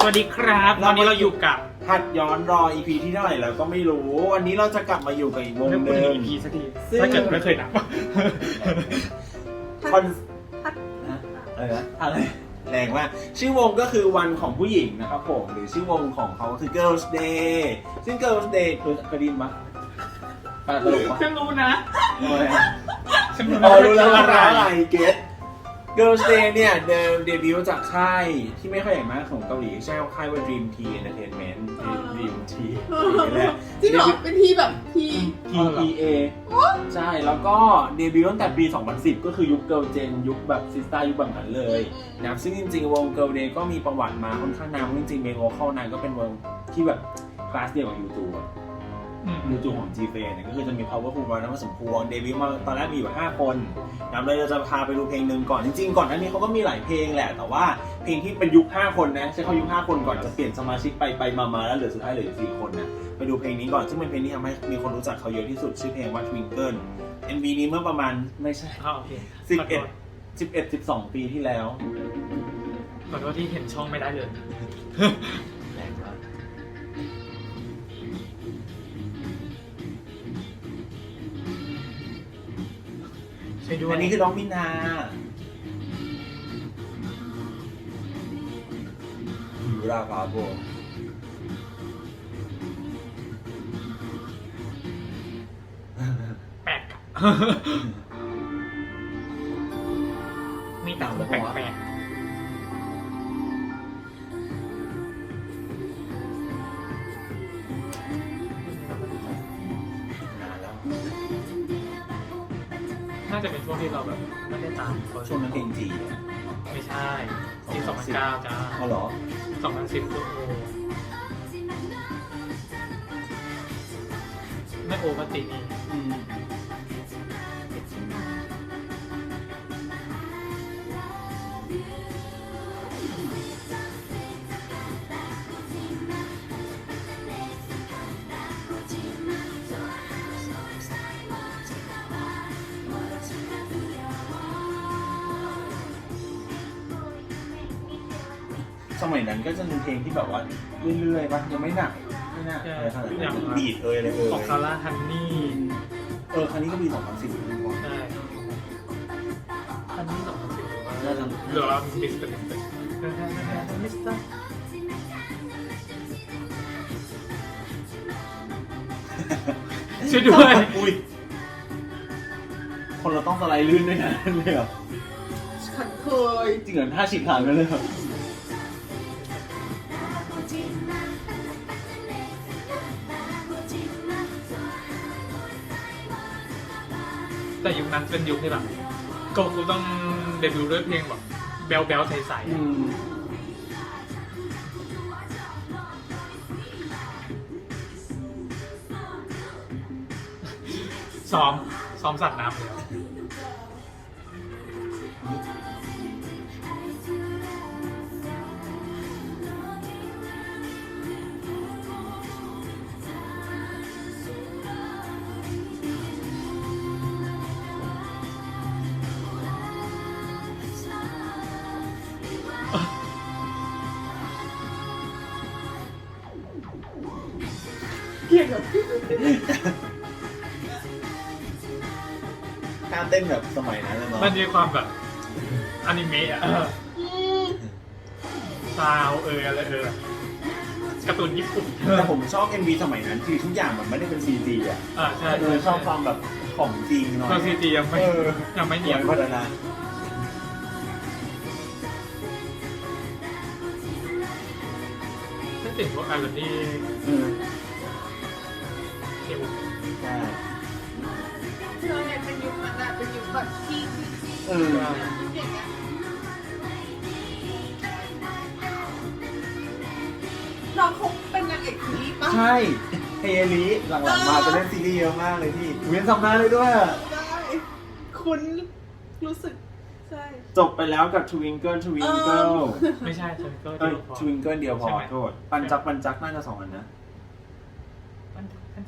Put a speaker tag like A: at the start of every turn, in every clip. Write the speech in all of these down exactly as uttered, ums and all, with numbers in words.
A: สวัสดีครับตอนนี้เราอยู่กับ
B: หัดย้อนรอ อี พี ที่เท่าไหร่แล้วก็ไม่รู้วันนี้เราจะกลับมาอยู่กับอีกวง
A: เรื่อง
B: ห
A: พูด
B: นึ่
A: ถึ
B: ง
A: ง อี พี สักทีถ้าเกิดไม่เคยนับ
B: คอนอะไรนะอะไรแรงมากชื่อวงก็คือวันของผู้หญิงนะครับผมหรือชื่อวงของเขาคือ Girls' Day ซึ่ง Girls' Day คือเคยได้ยินปะปะตลกปะ
A: ฉันรู้นะ
B: อะไร
A: ฉันรู้
B: อ๋อรู้แล้ว
A: ว่า
B: ว่า
A: อะไร
B: อะไรเก็ต Girls' Day เนี่ยเดิมเดบิวต์จากค่ายที่ไม่ค่อยใหญ่มากของเกาหลีใช่ค่ายว่า Dream Tea Entertainment Dream Tea นี่แหละ
C: จริงเหรอเป็นทีแบบที
B: ที อี เอ ใช่แล้วก็เดบิวต์ตั้งแต่ปี สองพันสิบ ก็คือยุค Girl Gen ยุคแบบซิสต้ายุคแบบนั้นเลยนะครับซึ่งจริงๆ วง Girl Day ก็มีประวัติมาค่อนข้างนานจริงๆเมโลเข้านานก็เป็นวงที่แบบคลาสเดียวกับ ยู ทู ยู ทู ของ จี เฟ เนี่ยก็คือจะมี Powerful มาแล้วมาสมควรเดบิวต์มาตอนแรกมีอยู่ห้าคนนะครับเราจะพาไปดูเพลงหนึ่งก่อนจริงๆก่อนหน้านี้เขาก็มีหลายเพลงแหละแต่ว่าเพลงที่เป็นยุคห้าคนนะใช้เขายุคห้าคนก่อนจะเปลี่ยนสมาชิกไปไปมาๆแล้วเหลือสุดท้ายเหลือสี่คนนะไปดูเพลงนี้ก่อนซึ่งเป็นเพลงที่ทำให้มีคนรู้จักเขาเยอะที่สุดชื่อเพลงว่า Twinkle เอ็ม วี นี้เมื่อประมาณไม่ใช่
A: อ๋อโอเค
B: สิบเอ็ด สิบเอ็ด สิบสอง ปีที่แล้ว
A: ขอโทษที่เห็นช่องไม่ได้เลย
B: แรงมาก
A: ช่วยด้วย
B: อันนี้คือน้องมินายูราฟาโบ
A: แปลกมีแต่คนแปลกๆน่าจะเป็นช่วงที่เราแบบไม่ได้ตามเขา
B: ช่วงนั้นเพลงจี
A: ไม่ใช่ปีสองพันเก้าจ้า
B: อ๋อเหรอ
A: สองพันสิบก็โอไม่โอปกตินี่
B: อืมสมัยนั้นก็จะมีเพลงที่แบบว่าเรื่อยๆป่ะยังไม่หนักไม่หนักอะไรขนาดนั้นบีดเอยอะไรเอย
A: ของคาร่าฮันนี่
B: เออครั้งนี้ก็มีสองพันสิบเหมือนกัน
A: ใช่ฮันนี่สองพันสิบหรือว่า
B: น่าจะ
A: หรือว่ามิสเตอร์มิสเตอร์มิสเตอร์ช่วยด้วย
B: อุ้ยคนเราต้องสไลด์ลื่นด้วยนะเลยเหรอ
C: ฉันเคย
B: จริงเหรอท่าฉีกขาดกันเลยเหรอ
A: แต่ยุคนั้นเป็นยุคที่แบบก็กูต้องเดบิวต์ด้วยเพลงแบบแบลแบลใส
B: อืม
A: ๆซ้อมซ้อมสัตว์น้ำแล้ว
C: เกลียดแบบ
B: ท่าเต้นแบบสมัยนั้นเลยเนาะ
A: มันมีความแบบอนิเมะอะ
C: อืม
A: ซาวเอออะไรเออการ์ตูนญี่ปุ่น
B: แต่ผมชอบ เอ็ม วี สมัยนั้นคือทุกอย่างมันไม่ได้เป็น ซี จี อ่ะ
A: อ่าใช่
B: เออชอบความแบบของจริงหน่อย
A: ตัวซีจียังไม่
B: เออ
A: ยังไม่เนียน
B: พัฒนา
A: ไม่ติดพวกไอรอนนี่
B: เออ
A: เอว
B: ใช่
C: เธอเนี่ยเป็นยุคนั้นอะเป็นยุคแบบที่ที่ที่
B: เออ
C: ยุคอย่างเงี้ยน้องเขาเป็นนางเอกซีรีส์ปะ
B: ใช่เฮลิหลังๆมาจะเล่นซีรีส์เยอะมากเลยพี่เวียนสัมภาษณ์เลยด้วยอะ
C: ได้คุณรู้สึกใช่
B: จบไปแล้วกับ Twinkle Twinkle
A: ไม่ใช่ฉันก็
B: เอ้ย
A: เดียวพอ
B: Twinkle เดียวพอ
A: ใช่ไหม
B: โทษปันจักปันจักน่าจะสองอันนะ
A: มันมัน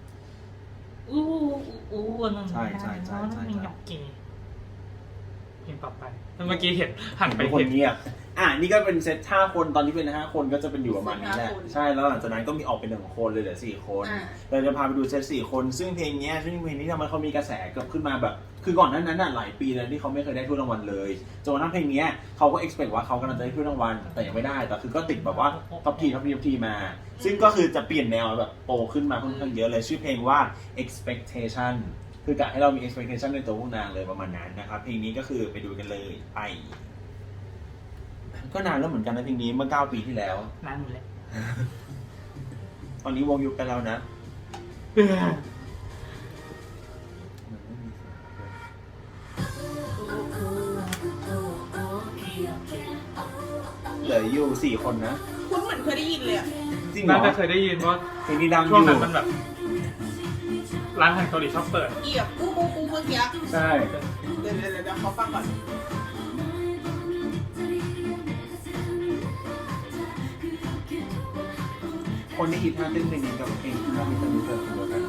A: อู้อู้อู้นั่น
B: ใช่ใช่ใช่ใช่
A: มันหยอกเกย์งต่อไปเมื่อกี้เห็นหันไป
B: เป็นคน
A: เห็น
B: เงียบอ่ะนี่ก็เป็นเซตห้าคนตอนนี้เป็นห้าคนก็จะเป็นอยู่ประมาณนี้แหละ
C: ห้าคน
B: ใช่แล้วหลังจากนั้นก็มีออกเป็นหนึ่งคนเลยเหลือสี่คน
C: อ่า
B: เราจะพาไปดูเซตสี่คนซึ่งเพลงเนี้ยซึ่งเพลงนี้ทำไมเขามีกระแสเกิดขึ้นมาแบบ คือก่อนหนั้นนั้นน่ะหลายปีแล้วที่เขาไม่เคยได้ถ้วยรางวัลเลยจนกระทั่งเพลงเนี้ยเขาก็ expect ว่าเขากำลังจะได้ถ้วยรางวัลแต่ยังไม่ได้แต่คือก็ติดแบบว่าท็อปทีท็อปทีท็อปทีมา ซึ่งก็คือจะเปลี่ยนแนวแบบโตขึ้นมาค่อนข้างเยอะเลยชื่อเพลงว่า expectation คือกะให้เรามี expectation ในตัวพวกนางเลยประมาณนั้นนะครับเพลงนี้ก็คือไปดูกันเลยไปก็นานแล้วเหมือนกันนะเพลงนี้เมื่อเก้าปีที่แล้ว
A: นานหมดเลย
B: ตอนนี้วงยุบไปแล้วนะเหลืออยู่สี่คนนะ
C: คุณเหมือนเคยได้ยินเลยอ่ะ
B: จริงเหร
A: น่า
B: อ
A: จะเคยได้ยินว่า
B: เพลงนี้ดังอ
A: ช่วง
B: ยู่
A: นั้นมันแบบ ร้านอาหารเกาหลีชอบเปิด
C: เกียบปูปูปูเมื่อกี้
B: ใช่
C: เดี๋ยวเดี๋ยวเดี๋ยวเขาฟังก่อน
B: คนที่ฮิตท่าเต้นเพลงนี้กับเพลงท่ามิสเตอร์มิสเตอร์คือกัน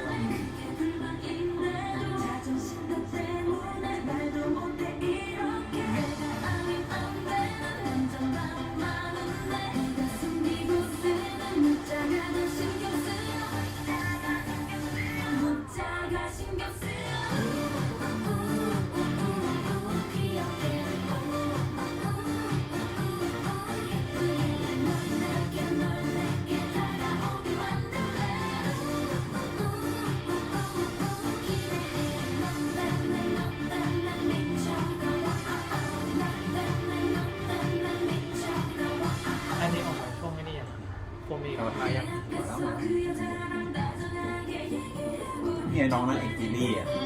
A: อันนี้ออกมาช่วงไม่นี่ยังโฟมีออกมายัง
B: เนี่ยน้องนั่นเอกจีรี่อ่ะ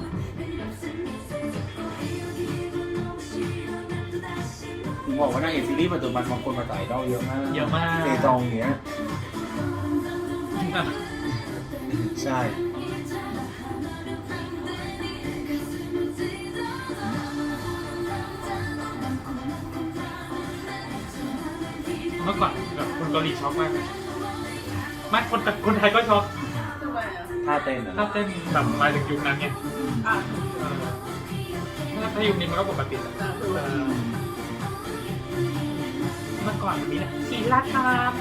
B: ผมบอกว่านางเอกซีรีส์ปัจจุบันบางคนมาใส่ดอลเยอะมาก
A: เยอะมาก
B: เซจองอย่างเงี้ยใช่
A: เมื่อก่อนแบบคนเกาหลีช็อกมากเลยไม่คนแต่คนไทยก็ช็อก
C: ทำไมอ่ะ
B: ท่าเต้นอ่ะ
A: ถ้าเต้นแบบมาถึงยุคนั้นเนี่ย
C: อ่ะ
A: เออถ้ายุคนี้มันก็ปกติแล้ว
C: อ่ะคือ
A: เออเมื่อก่อนมันมีนะศิลธรรม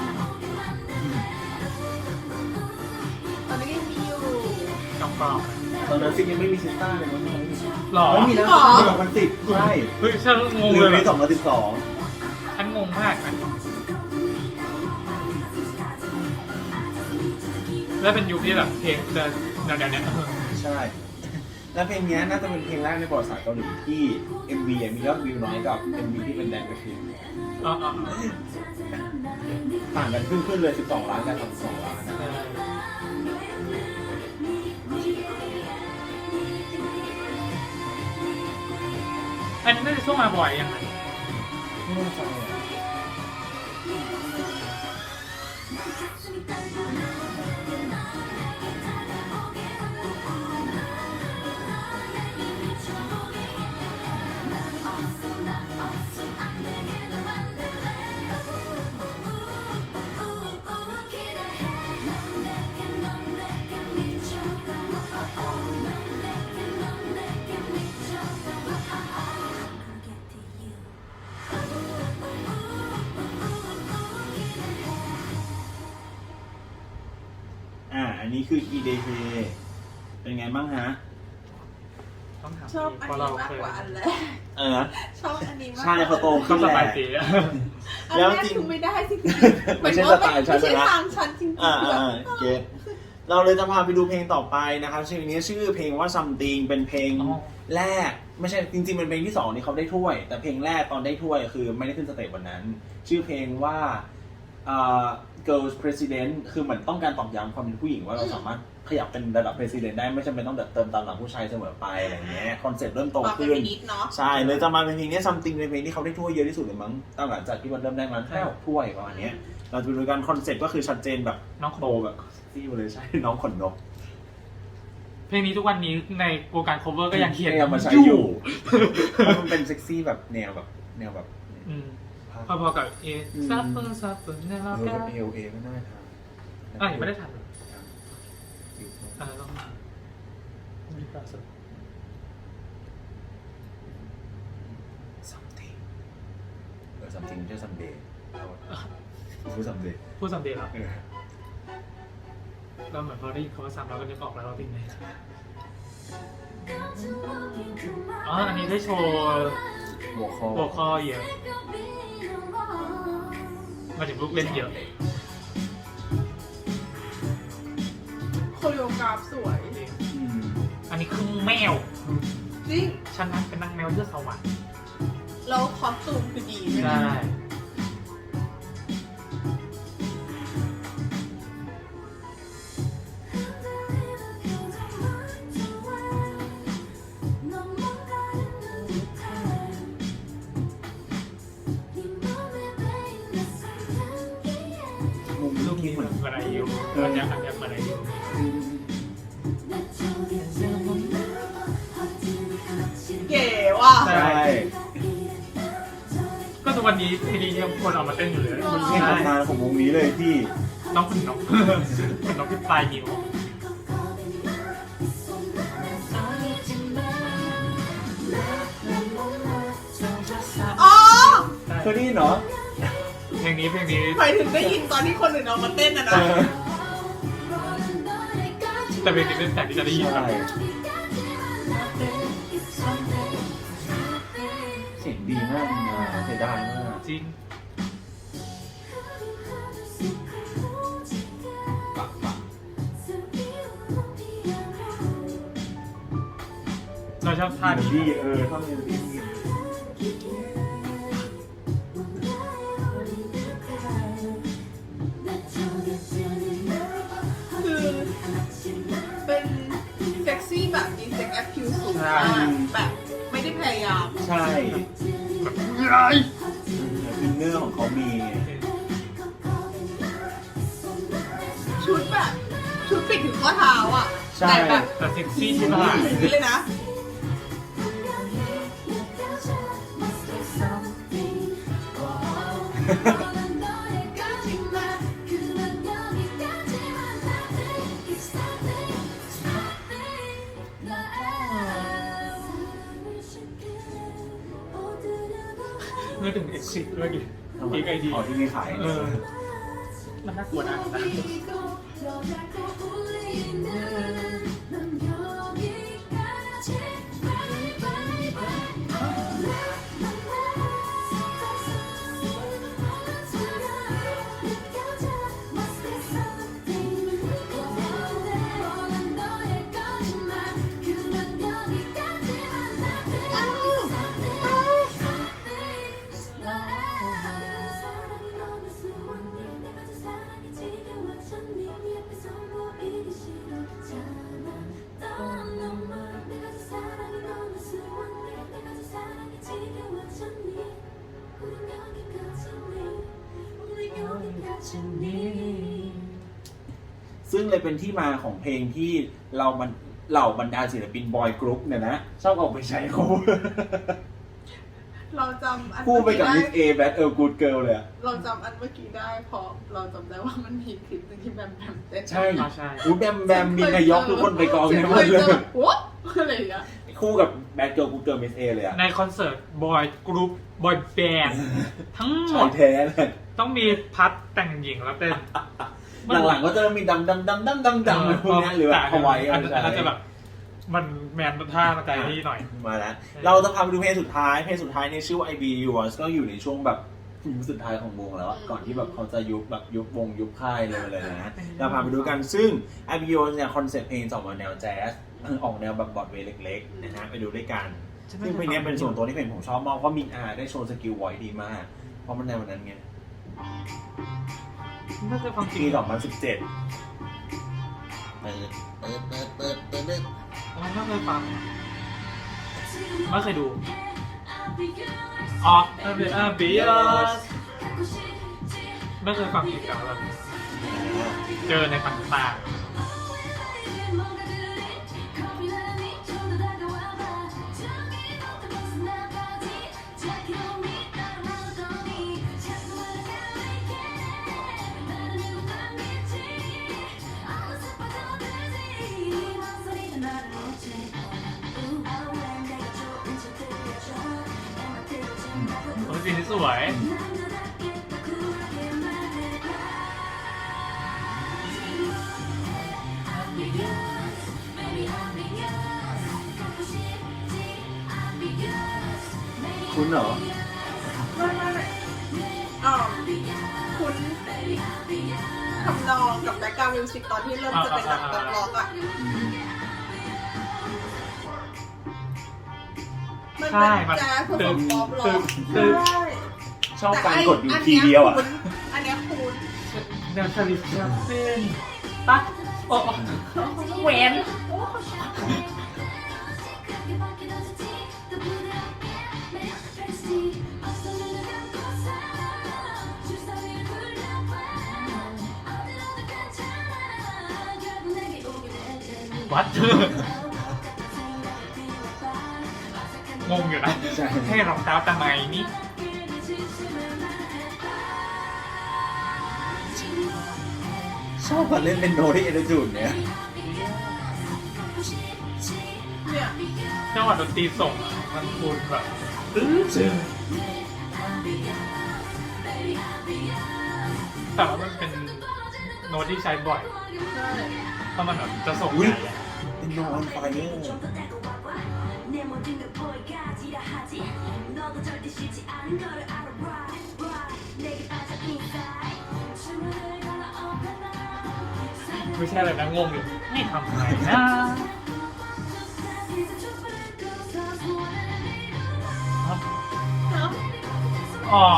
C: ตอนนี้ยังมีอยู่
A: กำกรอบ
B: ตอนนั้นซิงยังไม่มีซิสต้าเลยมั้ง
A: หรอ
B: ไม่มีนะปีสองพันสิบใช่
A: เฮ้ยฉันงง
B: หรื
A: เล
B: อย ปี
A: แบบ
B: สองพันสิบสอง
A: ฉันงงมากนะแล้วเป็นยุคที่แบบเพลงจะแนวๆเนี้ย
B: ใช่ แล้วเพลงนี้น่าจะเป็นเพลงแรกในประวัติศาสตร์เกาหลีที่ เอ็ม วี มียอดวิวน้อยกับ เอ็ม วี ที่เป็นแดนกระชิน
A: อ๋ออ๋อ
B: ต่างกันขึ้นขึ้นเลยสิบสองล้านกับสามสิบสองล้านนะ
A: เอออันนี้น่าจะช่วงมาบ่อยยังไง
B: ไม่แน่ใจอ่ะ อ่า อันนี้คือ อี เด เค เป็นไงบ้างฮะ
A: ต้องถาม
C: ชอบอัน
A: เพราะ
C: นี้
A: เรา
C: มาก
A: เคย
C: กว่าอันแรก
B: เออ
C: ชอบอันนี้มาก
B: ใช่เขาโต
A: ก็
B: ขึ้น
A: ส
B: แหละ
A: บายดีอะ
C: อัน
B: แล้ว
C: แรก
B: จริง
C: คือไม่ได้จริงๆ
B: ไม่ใช่สไตล์ฉัน
C: ไม่ใช่
B: นะ
C: ทางฉันจริงๆ
B: อ่า
C: แบบ
B: อ่าเก็ตเราเลยจะพาไปดูเพลงต่อไปนะครับชื่อนี้ชื่อเพลงว่า something เป็นเพลง
A: อ๋อ
B: แรก ไม่ใช่จริงๆเป็นเพลงที่สองที่เขาได้ถ้วย แต่เพลงแรกตอนได้ถ้วยคือไม่ได้ขึ้นสเตจวันนั้น ชื่อเพลงว่าอ่า girls president คือเหมือนต้องการตอกย้ำความเป็นผู้หญิงว่าเราสามารถขยับเป็นระดับ president ได้ไม่จำเป็นต้องเติมตามหลังผู้ชายเสมอไปอะไรเงี้ยคอนเซ็ปต์เริ่มโต
C: มาเป็น
B: ขึ้น
C: นิดเนาะ
B: ใช่เลยจะมาเป็นเพลงนี้ something เป็นเพลงที่เขาได้ถ้วยเยอะที่สุดเลยมั้งตั้งหลังจากที่มันเริ่มได้มาแค่หกถ้วยประมาณเนี้ยเราจะไปดูกันคอนเซ็ปต์ก็คือชัดเจนแบบ
A: น้องข
B: โต
A: นม
B: แบบซี่มาเลยใช่ น้องขนนก
A: เพลงนี้ทุกวันนี้ในวงการ cover ก็ยังเขียน
B: ยังมาใช้อยู่เพราะมันเป็นเซ็กซี่แบบแนวแบบแนวแบบ
A: อืมพอๆกับเอซับเปอร์ซับเปอร์เนี่ยเรา
B: เออ
A: แก้
B: เอลเอก็น่าทำ
A: อ่ะยังไม่ได้ทำเลยอ่าต้องมีปราศ
B: something ไม่ใช่ someday พูด someday
A: พูดสัมเดย์เหรอ
B: เออ
A: เราเหมือนพอได้ยินคำว่าซ้ำเราก็นึกออกแล้วว่าเป็นไงอ๋ออันนี้ได้โชว์
B: หัวข้อ
A: โวคอลเยอะมาถึงลูกเล่นเยอะ
C: โคโรกราฟสวย
A: จริง
B: อืม
A: อันนี้คือแมว
C: จริง
A: ฉันนั้นเป็นนางแมวเลือดสวรรค์
C: แล้วคอสตูมคือดีด้วย
A: ใช่
C: นะ
B: มุม
A: ลู
B: ลู
A: ก
B: ก
A: นี้
B: นี้
A: เห
B: เห
A: มื
B: มื
A: อ
B: อน น
A: เหมือนอายุอันนี้อันนี้เหมือนอายุ
C: เก๋ว่ะ
B: ใช่
A: ก็ทุกวันนี้เพลงนี้ยังคนเอามาเต้นอยู่เลย
B: มันใช่ตำนานของวงนี้เลยพี่
A: น้องคุณน้องคุณน้องที่ปลายนิ้ว
C: อ๋อ
B: เคยได้ยินเหรอ
A: เพลงนี้เพลงนี้
C: หมายถึงได้ยินตอนที่คนอื่นเอามาเต้นนะ
B: เอ
C: นะ
B: อ
A: แต่เพลงนี้เป็นแต่ที่จะได้ยิน
B: ใช่
A: แบบ
B: เสียงดีมากนะเสียดายมาก
A: จริง
B: ปะปะ
A: เราชอบท่า
B: เมโล
A: นี้
B: ดี้เออท่อนเมโลดี้นี่
C: คือเป็นเซ็กซี่แบบมีเซ็กแอคคิวสูงมากแบบไม่ได้พยายาม
B: ใช่
A: แบบ
B: อินเนอร์ของเขามีไง
C: ชุดแบบชุดปิดถึงข้อเท้าอ่ะ
B: ใช่
C: แต่แบบ
A: แต่เซ็กซี่
C: อ
A: ที่
C: ย่าง
A: มาก
C: นี้เลยนะ
A: นึกถึงเอ็กซิสเมื่อกี้อีกไอดี
B: อ๋อที่มีขาย
A: เออ มันน่ากลัวนะนะ
B: ซึ่งเลยเป็นที่มาของเพลงที่เรามันเหล่าบรรดาศิลปินบอยกรุ๊ปเนี่ยนะ ชอบออกไปใช้คู่
C: เราจำอัน
B: คู่ไปกับ
C: เมื่
B: มิ
C: อ
B: ส
C: กี้
B: เอ
C: ได้
B: แบทเออร์กูดเกิลเลยอะ
C: เราจำอันเมื่อกี้ได้เพราะเราจำได้ว่ามันมีคลิปหนึงที่แบมแบมเต้น
B: ใช่
A: อ๋อใช่
B: อู้แบมแบมมีนายกทุกคนไปกองเนี่ยหมดเลย
C: โอ้อะไรอย่างเงี้ย
B: คู่กับแบทเกิลกูดเกิลมิสเอเลยอะ
A: ในคอนเสิร์ตบอยกรุ๊ปบอยแบนด์ทั้งหม
B: ชาย
A: ด
B: แท้เลย
A: ต้องมีพัดแต่งหญิงแล้วเต้น
B: หลังๆก็จะมีดำดำดำดำดำดำอะไรพวกเนี้ยหรือแบบเอาไว้
A: อั
B: อะ
A: นนั้นอันนั้นจะแบบ มันแมนท่ามาใจนี่หน่อย
B: มาแล้ว เราจะพาไปดูเพลงสุดท้าย เพลงสุดท้ายเนี่ยชื่อว่า I Be Yours ก็อยู่ในช่วงแบบยุคสุดท้ายของวงแล้วอะก่อนที่แบบเขาจะยุบแบบยุบวงยุบค่ายเลยเลยนะเราพาไปดูกันซึ่ง I Be Yours เนี่ยคอนเซ็ปต์เพลงจะออกมาแนวแจ๊สออกแนวแบบบอดเวย์เล็กๆนะฮะไปดูด้วยกัน ซึ่งเพลงนี้เป็นส่วนตัวที่เพลงผมชอบมากเพราะมินอาได้โชว์สกิลไวดีมาก เพราะมันในวันนั้นไง
A: ไม่เคยฟังจริง
B: ปีสองพันสิบเจ็ด
A: อ๋อไม่เคยฟังไม่เคยดูอ๋อเออเออบีเอสไม่เคยฟังอีกแล้วแบบเจอในต่างๆโอ้ยสีนี้สวย
B: อคุณเหรอ
C: ไม่ไม่ไม่อ๋อคุณทำนองกับแบ็คกราวด์มิวสิกตอนที่เริ่มจะเป็นแบบป๊อปร็อกอ่ะมัน
A: ใช่
C: เป็น
A: มัน
C: แจ๊สผส
A: ตึ
C: ม
A: ง
C: ป๊อปร็
A: ตึ
C: อก
A: งตึง
C: ใช่
B: ชอบการกดอยู่ทีเดียวอ่ะ
C: อันเนี้ยคุณ
A: แนวชาลิสแชมเปญตั๊กโอ้แหวน วัด งงอยู่นะ
B: ใช่
A: ให้รองเท้าทำไมนี่
B: ชอบการเล่นเป็นโนที่เอเดจูดเนี่ย
C: เนี่ย
A: จังหวะดนตรีส่งอะมันคูณแบบอื้อ
B: จริง
A: แต่ว่ามันเป็นโน้ตที่ใช้บ่อย
C: ใช่
A: เพราะมันแบบจะส่ง
B: อุ๊ย
A: ใหญ่อะ
B: เป็นโนออนไฟเออร์
A: ไม่ใช่อะไรนะงงอยู่นี่ทำไงนะ
C: เนาะ
A: อ๋อ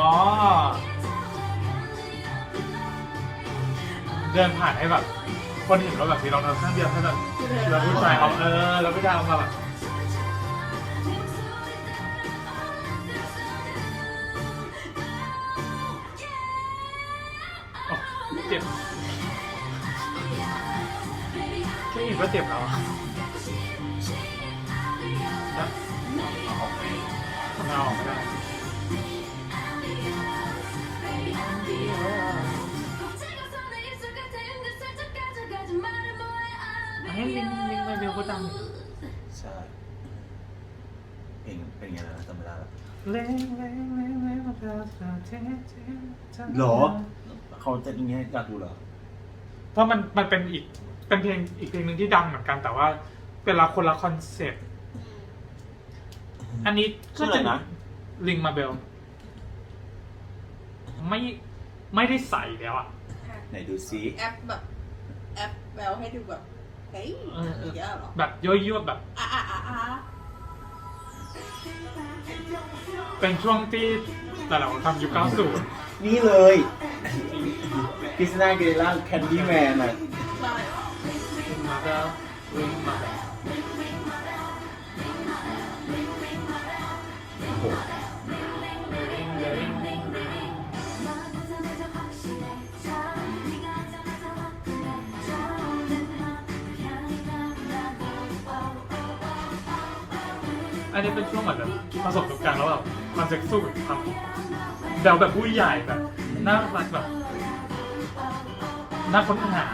A: เดินผ่านให้แบบ คนเห็นว่าแบบมีรองเท้าข้างเดียวให้แบบแล้วผู้ชายเอาเออแล้วผู้ชายเอามาแบบโอ้เจ็บแค่เห็นก็เจ็บแล้วอะนะทำไมเอาออกไม่ได้ให้ลิงลิงไปเบลก็ดังอยู่
B: ใช่เพลงเป็นไงนะจำไม่ได้แล้ว
A: เล่งเล่งเล่งเล่งมาเจอเธอเทเทเธอ
B: หรอ เขาจะอย่างเงี้ยอยากดูเหรอ
A: เพราะมันมันเป็นอีกเป็นเพลงอีกเพลงหนึ่งที่ดังเหมือนกันแต่ว่าเป็นละคนละคอนเซ็ปต์อันนี้
B: ชื่ออะไรนะ
A: ลิงมาเบลไม่ไม่ได้ใส่แล้วอ่ะ
B: ไหนดูซิ
C: แอปแบบแอปแววให้ดูแบบเฮ้ย
A: เออเออ
C: อย่างเงี้ยเหรอ
A: แบบยั่วยั่วแบบ
C: อ่ะอ่ะอ่ะอ่ะ
A: เป็นช่วงที่แต่เราทำยุคเก้าสิบ
B: นี่เลยคริสติน่าเกเรล่าแคนดี้แมนอ่ะ
C: ใช่
A: ลิงมาเบลลิงมาเบล
B: โอ้โห
A: อันนี้เป็นช่วงเหมือนแบบผสมกับกันแล้วแบบความเซ็กซ์กับความแบวแบบผู้ใหญ่แบบน่ารักแบบน่าค้นหา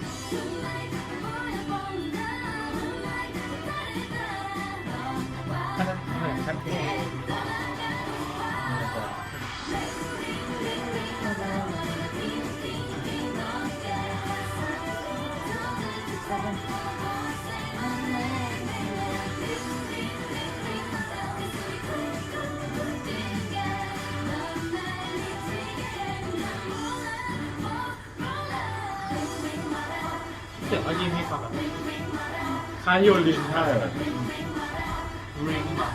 A: อันนั้นเหมือนกันเพลง เสียงก็ยิ่งมีความแบบคล้ายโยลิน
B: ใช่
A: แบบริงมา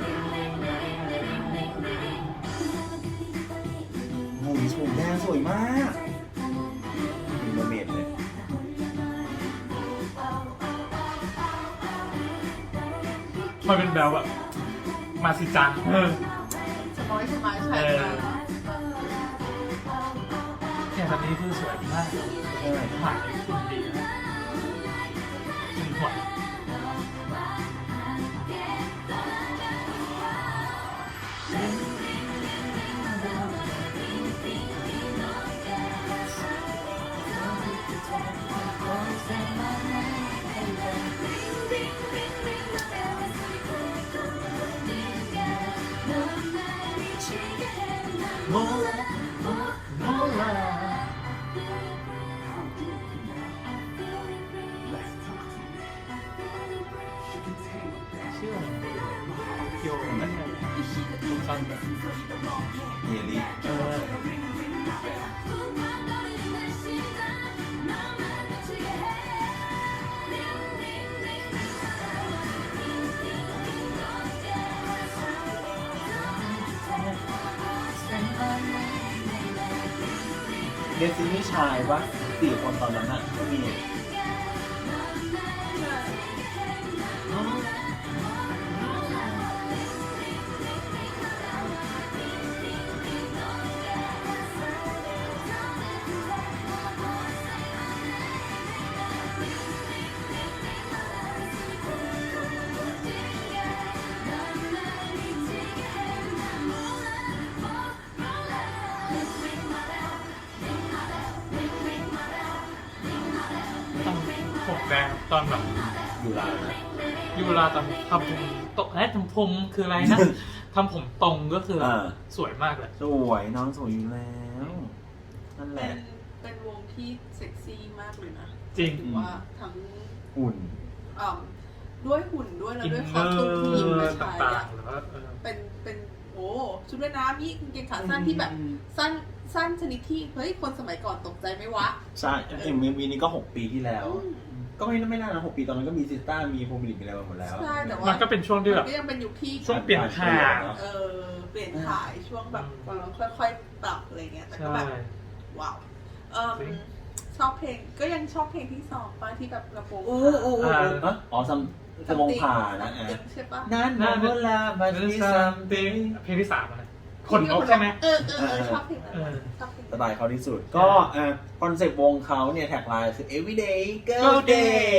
B: โอ้ยสวยแดงสวยมากเป็นเมอร์เมดเลย
A: มันเป็นแบบแบบมาสิจังเออ
C: สมอยสมายใช่
A: เออ
C: ค่ะ
A: เนี่ยตอนนี้คือสวยมาก
B: ใช่
A: หมายคุณดีนะคุณหัว โมลาโมลา
B: เดซินี่ชายปะสี่คนตอนนั้นน่ะก็มี
A: ผมแดงตอนแบบ
B: อยู่ร้านนะ
A: ยูราตอนทำผมตกเอ้ยทำผมคืออะไรนะ ทำผมตรงก็คืออา สวยมากเลย
B: สวยน้องสวยอยู่แล้วนั่นแห
C: เป็
B: ละ
C: นเป็นวงที่เซ็กซี่มากเลยนะ
A: จริง
C: ถือว่าทั้ง
B: หุ่น
C: อ่าด้วยหุ่นด้วยแล้ว
A: อิน
C: ด้วย
A: เน
C: คอ
A: อ
C: สตูมที่หยิบมา
A: ร์
C: ใช้
A: ต่าง
C: อะ
A: ๆหรือว่าเออ
C: เป็นเป็นโอ้ชุดว่ายน้ำนี่กางเกงขาสั้นที่แบบสั้นสั้นชนิดที่เฮ้ยคนสมัยก่อนตกใจไหมวะ
B: ใช่เอ็มวีนี้ก็หกปีที่แล้ว
C: อืม
B: ก็ไม่ไม่น่านะหกปีตอนนั้นก็มีซิสต้ามีโพมิลิกมีอะไรมาหมดแล้ว
C: ใช่แต่ว่า
A: มันก็เป็นช่วงที่
C: มั
A: แบบ
C: นก็ยังเป็นยุคที่
A: ช่วงเปลี่ยนผ่าน
C: เออเปลี่ยนถ่ายช่วงแบบกำลังค่อยๆปรับอะไรเงี้ยแต่ก็
A: ใช่
C: แบบว้าวเออ
A: จริง
C: ชอบเพลงก็ยังชอบเพลงที่สองป้าที่แบบลำโพง
B: โอ้โอ้โอ้อ๋ออ๋อซัมสมองผ่านะอ่ะ
C: ใช่ปะ
B: นั่นนะเวลาบัตรที่ซัมติง
A: เพลงที่สามอะนะคนนกใช่ไหม
C: เออเออเออชอบเพลงนั้น
A: เออ
C: ชอบเพลง
B: สไตล์เขาที่สุด ก็อ่ะคอนเซ็ปต์วงเขาเนี่ยแท็กไลน์คือ everyday girl day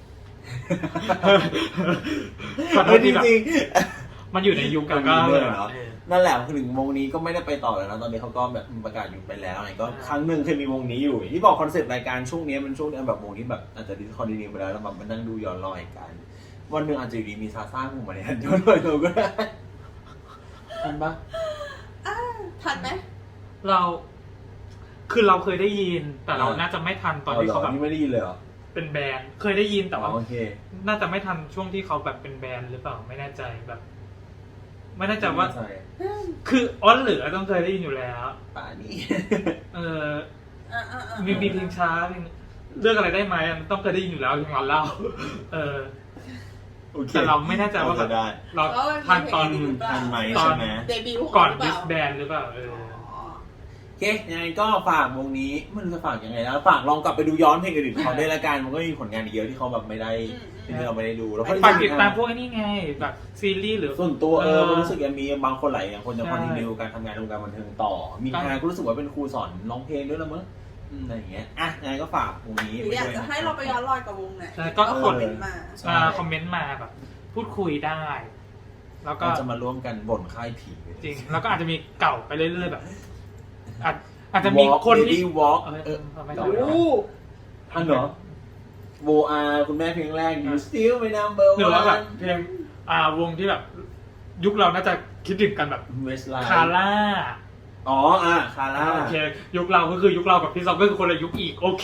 A: ขอโทษที่แบบ
B: จริง
A: มันอยู่ในยุคกันก็
B: มันมี
A: เล
B: เรื่
A: ย
B: องเนอะ
A: เออ
B: ๆนั่นแหละคือถึงวงนี้ก็ไม่ได้ไปต่อแล้วนะตอนนี้เขาก็แบบประกาศหยุดไปแล้วอะไรก็ครั้งหนึ่งเคยมีวงนี้อยู่ที่บอกคอนเซ็ปต์รายการช่วงนี้มันช่วงแบบวงที่แบบอาจจะดิสคอนดิเนียไปแล้วแล้วแบบมานั่งดูย้อนรอยกันวันหนึ่งอาจจะอยู่ดีมีซาซ่าพุ่งมาเนี่ยย้อนรอยเราก็ได้ทันปะ
C: อ่าทันไหม
A: เรา คือเราเคยได้ยิน แต่เราน่าจะไม่ทันตอนที่เขาแบบ
B: นี่ไม่ได้ยินเลยเหรอ
A: เป็นแบรนด์เคยได้ยินแต่ว่า
B: โอเค
A: น่าจะไม่ทันช่วงที่เขาแบบเป็นแบรนด์หรือเปล่าไม่แน่ใจแบบ ไม่แน่ใจว่า
B: ใช่
A: คืออ้อนเหลือต้องเคยได้ยินอยู่แล้ว
B: ป่านี่
A: เออ
C: อ่าอ่าอ่า
A: มีมีเพลงช้าเพลงเลือกอะไรได้ไหมมันต้องเคยได้ยินอยู่แล้วถึงวันเล่าเออ
B: โอเค
A: แต่เราไม่แน่ใจว่าแบบ
B: ได้
A: เราทันตอน
B: ทันไหม
A: ตอน
B: ใช่ไหม
C: เดบิวต์ของ
A: ก่อน
C: เขาหรื
A: ดิ
C: เป
A: ส
C: ล่า
A: แบนหรือเปล่าเออ
C: อ๋อ
B: โอเคยังไงก็ฝากวงนี้ไมันจะฝากยังไงแล้วฝากลองกลับไปดูย้อนเพลงอื่นๆเขาด้วยละกันมันก็มีผลงานอีกเยอะที่เขาแบบไม่ได้ที่เราไม่ได้ดูแล้วก็
A: ฝากติดตามพวกไอ้นี่ไงแบบซีรีส์หรือ
B: ส่วนตัวเอ
A: เอ
B: อ
A: อ
B: มันรู้สึกยังมีบางคนหลายอย่างคนจะ
A: ใช่
B: คอนติเนียการทำงานในวงการบันเทิงต่อ มี
A: ครับ
B: งานก็รู้สึกว่าเป็นครูสอนร้องเพลงด้วยละมั้งอืมอะไรอย่างเงี้ยอ่ะยังไงก็ฝากวงนี้
C: หรืออยาก
B: ไว้ด้
C: จะ
B: ว
C: ให้เราไปย้อนรอยกับวงไหน
A: ใช่ก็
C: ก็
A: ก
C: คอ
A: ด
C: มเมนต์มา
A: อ่าคอมเมนต์มาแบบพูดคุยได้ แล้วก็
B: เราจะมาร่วมกันบ่นค่ายผี
A: จริง แล้วก็อาจจะมีเก่าไปเรื่อยๆแบบอาจอาจจะมีคนที่
B: วอล์ก
A: เออ
B: เออ
A: ไม่
B: โอ้
A: ได้
B: โหทันเหรอโวอาคุณแม่เพลงแรก you still my number
A: หรือว่าแบบ
B: one
A: เพลงอ่าวงที่แบบ ยุคเราน่าจะคิดถึงกันแบบ
B: Westlife
A: คาร่า
B: อ๋ออ่ะคาร่า
A: โอเคยุคเราก็คือยุคเรากับพี่ซอกก็คือคนละยุคอีกโอเค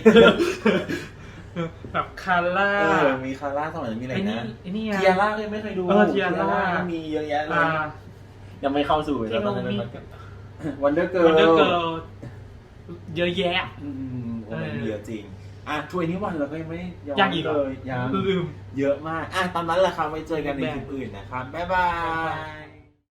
A: แบบคาร่า
B: เออมีคาร่าสมัยนั้นมีอะไร
A: ไอ้นี่
B: นะ
A: ไอ้นี่
B: เทียร่าก็ยังไม่เคยดู
A: เออเทียร่า
B: ก็มีเยอะแยะเลย
A: อ่า
B: ยังไม่เข้าสู่
A: ที่
B: แล้วต
A: เรา
B: อนนั้น
A: มี
B: วันเดอร์เกิ
A: วันเดอร์เกิ
B: ร์
A: ลเยอะแยะ
B: อืมโอ้ยเยอะจริง อ่ะช่วยนี้วันเราก็ยังไม่ย้อน
A: ยังอีกเหร
B: เล
A: อ
B: ยยัง
A: ลืม
B: เยอะมาก อ่ะตอนนั้นแหละครับไว้เจอกันในคลิปอื่นนะครับ บ๊ายบาย